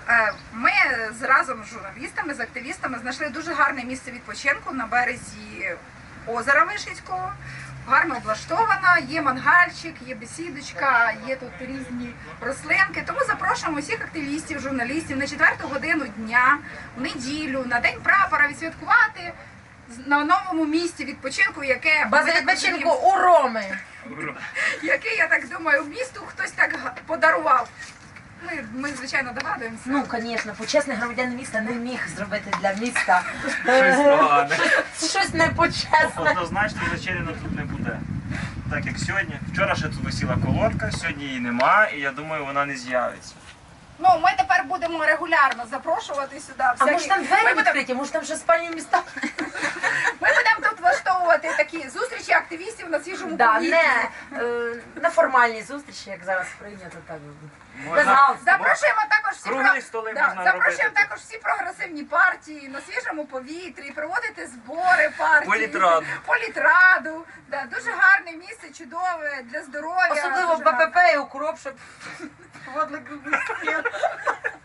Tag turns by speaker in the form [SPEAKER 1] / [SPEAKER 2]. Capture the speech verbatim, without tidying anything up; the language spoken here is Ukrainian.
[SPEAKER 1] Ми з разом з журналістами, з активістами знайшли дуже гарне місце відпочинку на березі озера Вишицького. Гарно облаштована, є мангальчик, є бесідочка, є тут різні рослинки. Тому запрошуємо всіх активістів, журналістів на четверту годину дня, в неділю, на День прапора відсвяткувати на новому місці відпочинку, яке...
[SPEAKER 2] База відпочинку у Роми.
[SPEAKER 1] Яке, я так думаю, місту хтось так подарував. Ми, ми, звичайно, догадуємося.
[SPEAKER 2] Ну, звісно, почесний громадянин міста не міг зробити для міста
[SPEAKER 3] Щось погане.
[SPEAKER 2] щось непочесне.
[SPEAKER 3] Однозначно Зачеріна тут не буде. Так як сьогодні. Вчора ще тут висіла колодка, сьогодні її нема, і я думаю, вона не з'явиться.
[SPEAKER 1] Ну, ми тепер будемо регулярно запрошувати сюди.
[SPEAKER 2] А
[SPEAKER 1] всякі-
[SPEAKER 2] може там двері
[SPEAKER 1] Ми будемо-
[SPEAKER 2] відкриті, може там ще спальні міста?
[SPEAKER 1] Ми будемо тут влаштовувати такі зустрічі активістів на свіжому
[SPEAKER 2] Да,
[SPEAKER 1] повітрі.
[SPEAKER 2] не е, на формальні зустрічі, як зараз прийнято, так. Без
[SPEAKER 3] Можна-
[SPEAKER 2] галстуку.
[SPEAKER 1] Запрошуємо також всі
[SPEAKER 3] Круглі
[SPEAKER 1] про-
[SPEAKER 3] столи
[SPEAKER 1] да,
[SPEAKER 3] можна
[SPEAKER 1] запрошуємо
[SPEAKER 3] робити.
[SPEAKER 1] також всі прогресивні партії на свіжому повітрі, проводити збори партії.
[SPEAKER 3] Політраду.
[SPEAKER 1] Політраду. Да, дуже гарне місце, чудове для здоров'я.
[SPEAKER 2] Особливо
[SPEAKER 1] дуже гарне.
[SPEAKER 2] БПП і укроп, щоб водили